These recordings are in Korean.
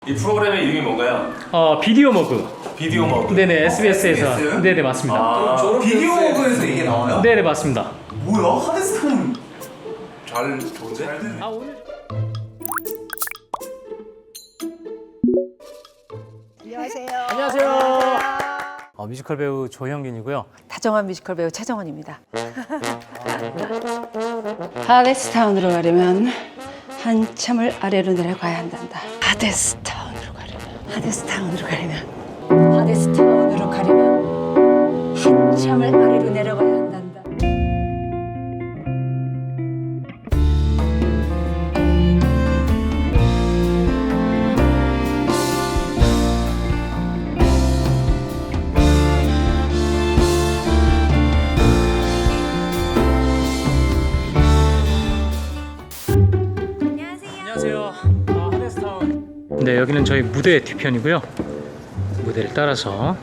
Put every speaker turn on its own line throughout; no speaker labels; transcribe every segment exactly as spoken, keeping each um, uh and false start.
이 프로그램의 이름이 뭔가요?
어 비디오 머그.
비디오 머그.
네네 에스비에스에서.
에스비에스?
네네 맞습니다.
아,
비디오 머그에서 이게 나와요?
네네 맞습니다.
뭐야? 하드스톤
잘 좋은데?
아 오늘
안녕하세요.
안녕하세요. 어, 뮤지컬 배우 조형균이고요.
다정한 뮤지컬 배우 최정원입니다.
하데스타운으로 가려면 한참을 아래로 내려가야 한단다. 하데스타운으로 가려면 하데스타운으로 가려면 하데스타운으로 가려면 한참을 아래로 내려가야 한단다.
안녕하세요. 어, 하데스타운. 네 여기는 저희 무대 뒤편이고요. 무대를 따라서.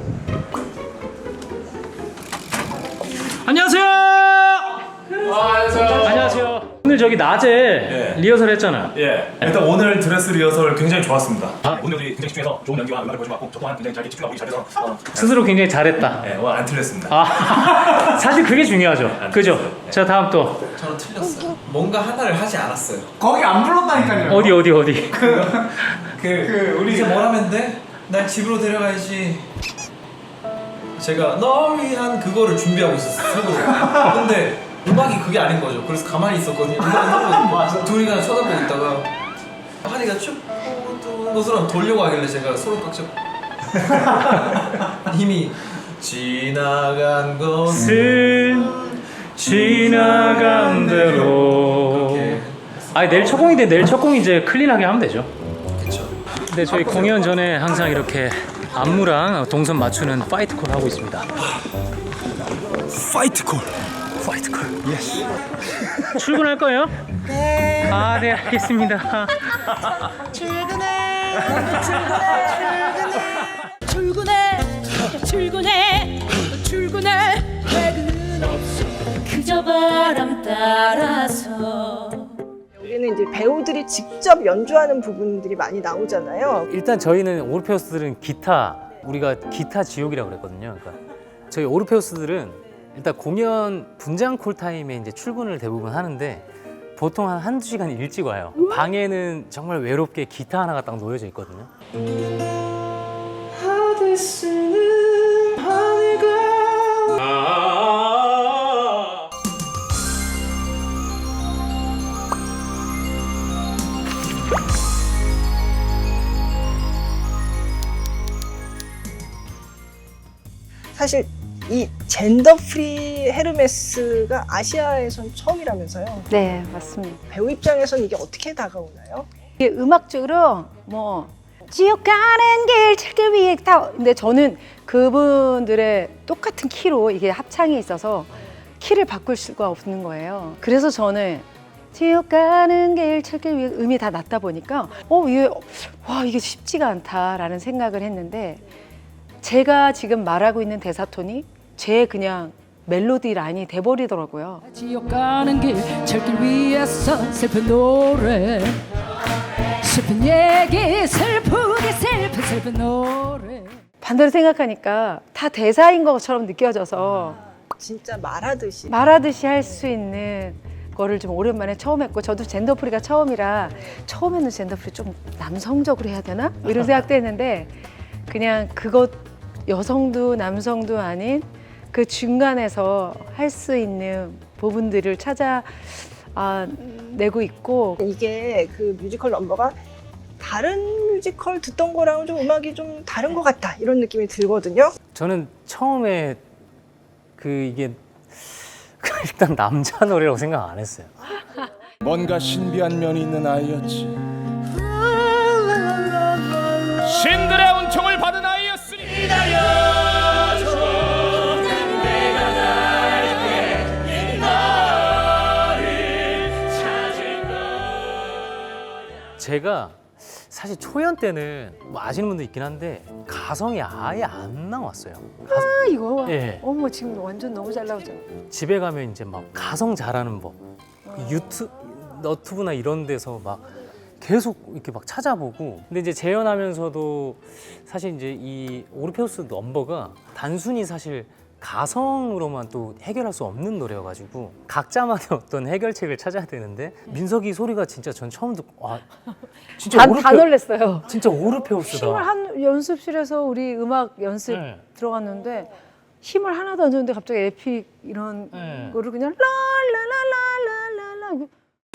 안녕하세요.
안녕하세요.
안녕하세요. 오늘 저기 낮에
예.
리허설 했잖아요.
예. 일단 오늘 드레스 리허설 굉장히 좋았습니다. 아, 오늘 우리 굉장히 집중해서 좋은 연기와 음악을 보여준 것 같고 저 또한 굉장히 잘 집중하고 잘해서 어,
스스로 굉장히 잘했다.
예, 오늘 안 틀렸습니다.
아 사실 그게 중요하죠. 그죠? 자 다음 또
저는 틀렸어요. 뭔가 하나를 하지 않았어요.
거기 안 불렀다니까요.
어디 어디 어디.
그,
그 우리
이제 뭘 하면 돼? 날 집으로 데려가야지. 제가 널 위한 그거를 준비하고 있었어요. 속으로. 근데 음악이 그게 아닌 거죠. 그래서 가만히 있었거든요. 음악은 둘이 그냥 쳐다보고 있다가 하니가 춥고 뜨거운 것처럼 돌려고 하길래 제가 손을 꽉 잡고 힘이 지나간 것은
슬 지나간 대로.
그렇게
아니 내일 첫 공인데 내일 첫 공 이제 클린하게 하면 되죠.
그쵸.
근데 저희 공연 전에 항상 이렇게 안무랑 동선 맞추는 파이트 콜 하고 있습니다.
파이트 콜.
파이트 콜. 예스. 출근할 거예요? 네. 아, 네, 알겠습니다.
출근해.
출근해 출근해 출근해 퇴근 없이 그저 바람 따라서
여기는 이제 배우들이 직접 연주하는 부분들이 많이 나오잖아요.
일단 저희는 오르페우스들은 기타, 우리가 기타 지옥이라고 그랬거든요. 그러니까 저희 오르페우스들은 일단 공연 분장 콜 타임에 이제 출근을 대부분 하는데 보통 한 한두 시간 일찍 와요. 방에는 정말 외롭게 기타 하나가 딱 놓여져 있거든요.
사실 이 젠더 프리 헤르메스가 아시아에선 처음이라면서요.
네, 맞습니다.
배우 입장에선 이게 어떻게 다가오나요?
이게 음악적으로 뭐 지옥 가는 길 찾기 위해 다 근데 저는 그분들의 똑같은 키로 이게 합창이 있어서 키를 바꿀 수가 없는 거예요. 그래서 저는 지옥 가는 길 찾기 위해 음이 다 낮다 보니까 어 이게 와 이게 쉽지가 않다라는 생각을 했는데 제가 지금 말하고 있는 대사 톤이 제 그냥 멜로디 라인이 돼버리더라고요.
지옥 가는 길 철길 위에서 슬픈 노래 슬픈 얘기 슬프게 슬픈 슬픈 노래
반대로 생각하니까 다 대사인 것처럼 느껴져서
진짜 말하듯이.
말하듯이 할 수 있는 거를 좀 오랜만에 처음 했고 저도 젠더프리가 처음이라 처음에는 젠더프리 좀 남성적으로 해야 되나? 뭐 이런 생각도 했는데 그냥 그것 여성도 남성도 아닌 그 중간에서 할 수 있는 부분들을 찾아 아, 내고 있고
이게 그 뮤지컬 넘버가 다른 뮤지컬 듣던 거랑은 좀 음악이 좀 다른 것 같다 이런 느낌이 들거든요.
저는 처음에 그 이게 일단 남자 노래라고 생각 안 했어요.
뭔가 신비한 면이 있는 아이였지. 신들의 은총을 받은 아이였으니
제가 사실 초연 때는 뭐 아시는 분도 있긴 한데 가성이 아예 안 나왔어요. 가성,
아 이거
예.
어머 지금 완전 너무 잘 나오죠.
집에 가면 이제 막 가성 잘하는 법, 유튜 너튜브나 이런 데서 막 계속 이렇게 막 찾아보고. 근데 이제 재연하면서도 사실 이제 이 오르페우스 넘버가 단순히 사실 가성으로만 또 해결할 수 없는 노래여가지고 각자만의 어떤 해결책을 찾아야 되는데 민석이 소리가 진짜 전 처음 듣고 와 진짜
다,
오르페,
다 놀랬어요.
진짜 오르페우스다.
힘을 한 연습실에서 우리 음악 연습
네.
들어갔는데 힘을 하나도 안 줬는데 갑자기 에픽 이런
네.
거를 그냥 라라라라라라라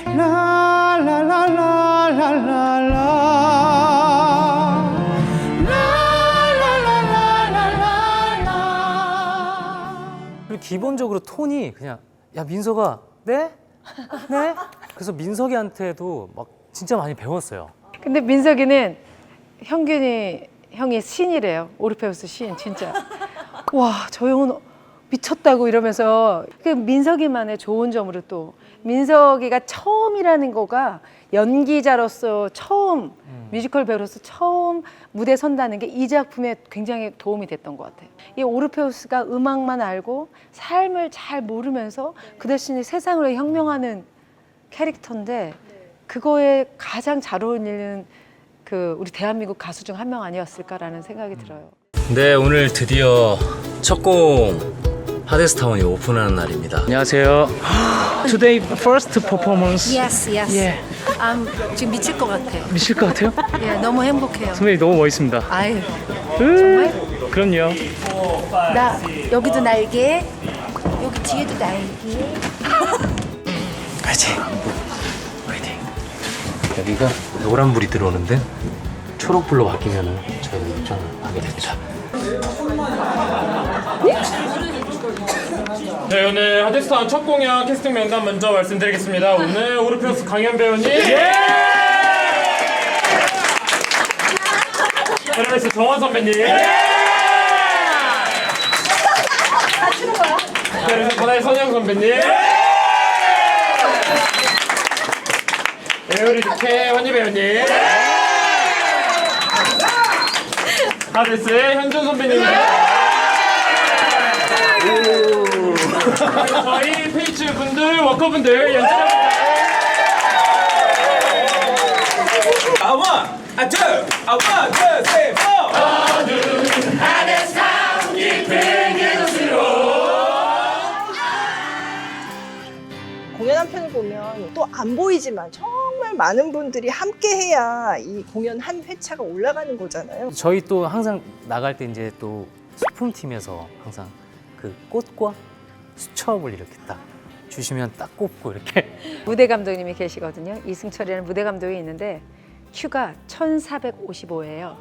그리고 기본적으로 톤이 그냥 야 민석아 네? 네? 그래서 민석이한테도 막 진짜 많이 배웠어요.
근데 민석이는 형균이 형이 신이래요. 오르페우스 신 진짜. 와, 저 형은 미쳤다고 이러면서 그 민석이만의 좋은 점으로 또 민석이가 처음이라는 거가 연기자로서 처음
음.
뮤지컬 배우로서 처음 무대 선다는 게 이 작품에 굉장히 도움이 됐던 것 같아요. 이 오르페우스가 음악만 알고 삶을 잘 모르면서 그 대신에 세상을 혁명하는 캐릭터인데 그거에 가장 잘 어울리는 그 우리 대한민국 가수 중 한 명 아니었을까라는 생각이 들어요.
네, 오늘 드디어 첫 곡 하데스타운이 오픈하는 날입니다. 안녕하세요. Today first performance.
Yes, yes.
예.
아, 지금 미칠 것 같아.
미칠 것 같아요?
예, 너무 행복해요.
선배님 너무 멋있습니다.
아유,
정말? 그럼요.
나 여기도 날개, 여기 뒤에도 날개.
파이팅. 파이팅. 여기가 노란불이 들어오는데 초록불로 바뀌면은 저희가 입장을 하게 됩니다.
네, 오늘 하데스타운 첫 공연 캐스팅 명단 먼저 말씀드리겠습니다. 오늘 오르페우스 강현 배우님, 예! 에르메스 정원 선배님, 예! 에르메스 바다의 선영 선배님, 예! 에어리드케 환희 배우님, 예! 하데스의 현준 선배님, 저희 페이츠 분들, 워커분들 연출합니다.
아, 원, 아, 투, 아, 원, 투, 쓰리, 포.
공연 한 편을 보면 또 안 보이지만 정말 많은 분들이 함께 해야 이 공연 한 회차가 올라가는 거잖아요.
저희 또 항상 나갈 때 이제 또 소품팀에서 항상 그 꽃과 수첩을 이렇게 딱 주시면 딱 꼽고 이렇게.
무대 감독님이 계시거든요. 이승철이라는 무대 감독이 있는데 큐가 천사백오십오예요.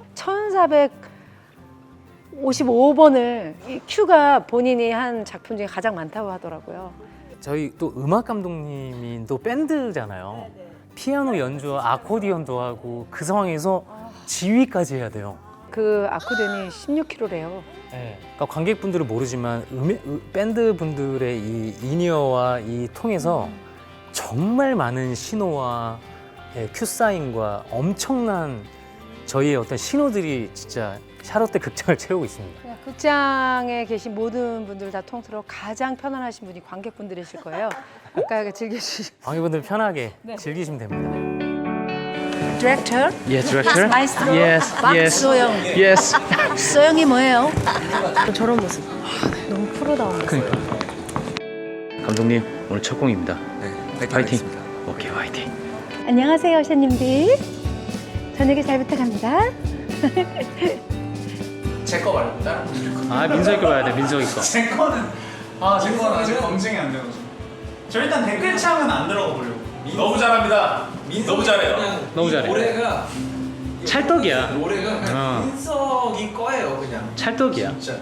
천사백오십오 번을 이 큐가 본인이 한 작품 중에 가장 많다고 하더라고요.
저희 또 음악 감독님이 또 밴드잖아요. 피아노 연주와 아코디언도 하고 그 상황에서 지휘까지 해야 돼요.
그 아코디언이 십육 킬로그램래요.
네. 그러니까 관객분들은 모르지만 음의, 음, 밴드 분들의 이 인이어와 이 통해서 정말 많은 신호와 예, 큐 사인과 엄청난 저희의 어떤 신호들이 진짜 샤롯대 극장을 채우고 있습니다.
그냥 극장에 계신 모든 분들 다 통틀어 가장 편안하신 분이 관객분들이실 거예요. 아까 즐겨주시.
관객분들 편하게 즐기시면 됩니다.
디렉터?
예, 디렉터.
마이스트로?
Yes, yes.
박소영.
Yes.
소영이 뭐예요?
저런 모습. 너무 프로다운 모습.
그러니까. 감독님 오늘 첫 공입니다.
네,
파이팅. 오케이, 파이팅.
안녕하세요, 샤님들. 저녁에 잘 부탁합니다.
제 거 말고 다른 분들 거.
아, 민석이 거 봐야 돼, 민석이 거.
제 거는 아, 제 거는 아직 검증이 안 돼가지고. 저 일단 댓글창은 안 들어가 보려고.
너무 잘합니다. 너무 잘해요.
너무 잘해.
노래가
찰떡이야.
노래가 그냥
어.
민석이 거예요, 그냥.
찰떡이야.
진짜.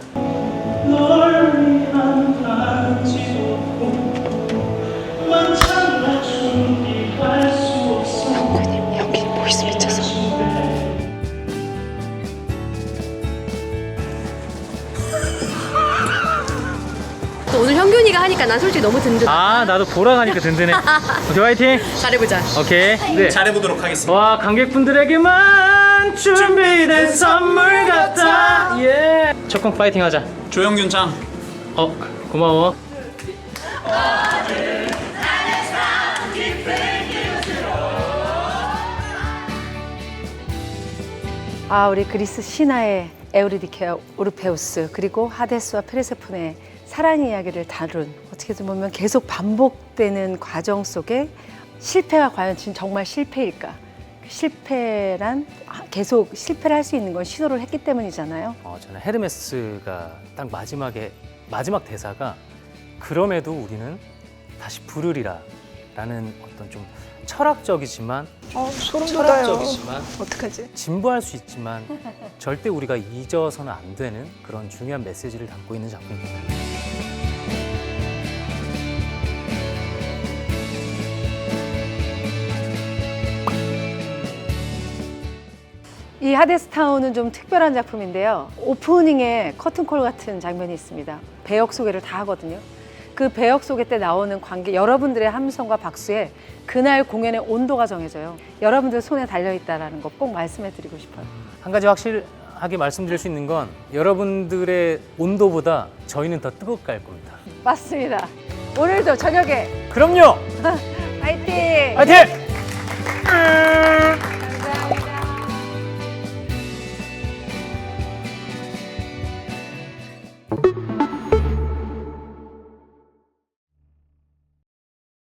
여기 보이스 미쳐서.
또 오늘 현균이가 하니까 난 솔직히 너무 든든.
아, 나도 보러 가니까 든든해. 오케이, 화이팅.
잘해보자.
오케이. 네.
잘해보도록 하겠습니다.
와, 관객분들에게만 준비된 선물 같아. 예. 첫 공 파이팅 하자.
조영균 짱.
어, 고마워.
아, 우리 그리스 신화의 에우리디케와 오르페우스 그리고 하데스와 페르세폰의 사랑 이야기를 다룬 어떻게 보면 계속 반복되는 과정 속에 실패가 과연 지금 정말 실패일까? 실패란 계속 실패를 할 수 있는 건 시도를 했기 때문이잖아요.
어, 저는 헤르메스가 딱 마지막에 마지막 대사가 그럼에도 우리는 다시 부르리라 라는 어떤 좀 철학적이지만
어, 소름 돋아요.
철학적이지만
어떡하지?
진부할 수 있지만 절대 우리가 잊어서는 안 되는 그런 중요한 메시지를 담고 있는 작품입니다.
이 하데스타운은 좀 특별한 작품인데요. 오프닝에 커튼콜 같은 장면이 있습니다. 배역 소개를 다 하거든요. 그 배역 소개 때 나오는 관객 여러분들의 함성과 박수에 그날 공연의 온도가 정해져요. 여러분들 손에 달려있다는 거 꼭 말씀해드리고 싶어요.
한 가지 확실하게 말씀드릴 수 있는 건 여러분들의 온도보다 저희는 더 뜨겁게 할 겁니다.
맞습니다. 오늘도 저녁에
그럼요!
파이팅!
화이팅!